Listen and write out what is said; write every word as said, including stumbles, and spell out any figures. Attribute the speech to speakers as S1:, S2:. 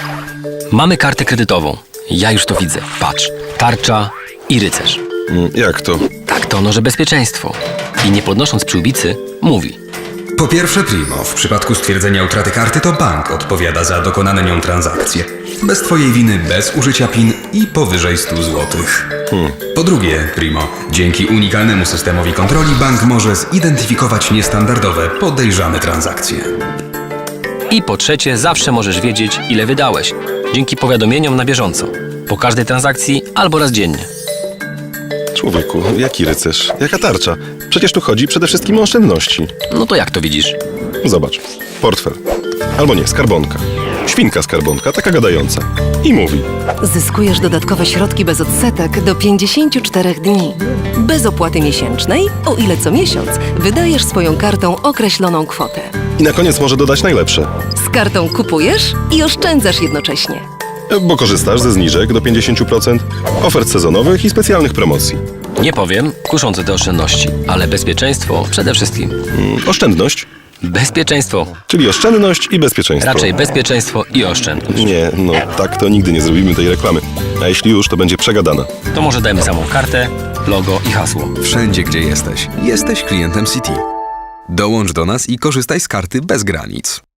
S1: Mamy kartę kredytową. Ja już to widzę. Patrz. Tarcza i rycerz.
S2: Mm, Jak to?
S1: Tak to ono, że bezpieczeństwo. I nie podnosząc przyłbicy, mówi.
S3: Po pierwsze, Primo, w przypadku stwierdzenia utraty karty to bank odpowiada za dokonane nią transakcje. Bez twojej winy, bez użycia PIN i powyżej stu złotych.
S2: Hmm.
S3: Po drugie, Primo, dzięki unikalnemu systemowi kontroli bank może zidentyfikować niestandardowe, podejrzane transakcje.
S1: I po trzecie, zawsze możesz wiedzieć, ile wydałeś. Dzięki powiadomieniom na bieżąco. Po każdej transakcji albo raz dziennie.
S2: Człowieku, jaki rycerz? Jaka tarcza? Przecież tu chodzi przede wszystkim o oszczędności.
S1: No to jak to widzisz?
S2: Zobacz. Portfel. Albo nie, skarbonka. Świnka skarbonka, taka gadająca. I mówi.
S4: Zyskujesz dodatkowe środki bez odsetek do pięćdziesięciu czterech dni. Bez opłaty miesięcznej, o ile co miesiąc wydajesz swoją kartą określoną kwotę.
S2: I na koniec może dodać najlepsze.
S4: Z kartą kupujesz i oszczędzasz jednocześnie.
S2: Bo korzystasz ze zniżek do pięćdziesięciu procent, ofert sezonowych i specjalnych promocji.
S1: Nie powiem, kuszące te oszczędności, ale bezpieczeństwo przede wszystkim.
S2: Mm, oszczędność,
S1: Bezpieczeństwo.
S2: czyli oszczędność i bezpieczeństwo.
S1: Raczej bezpieczeństwo i oszczędność.
S2: Nie, no tak to nigdy nie zrobimy tej reklamy. A jeśli już, to będzie przegadana.
S1: To może dajmy samą kartę, logo i hasło.
S5: Wszędzie, gdzie jesteś, jesteś klientem Citi. Dołącz do nas i korzystaj z karty bez granic.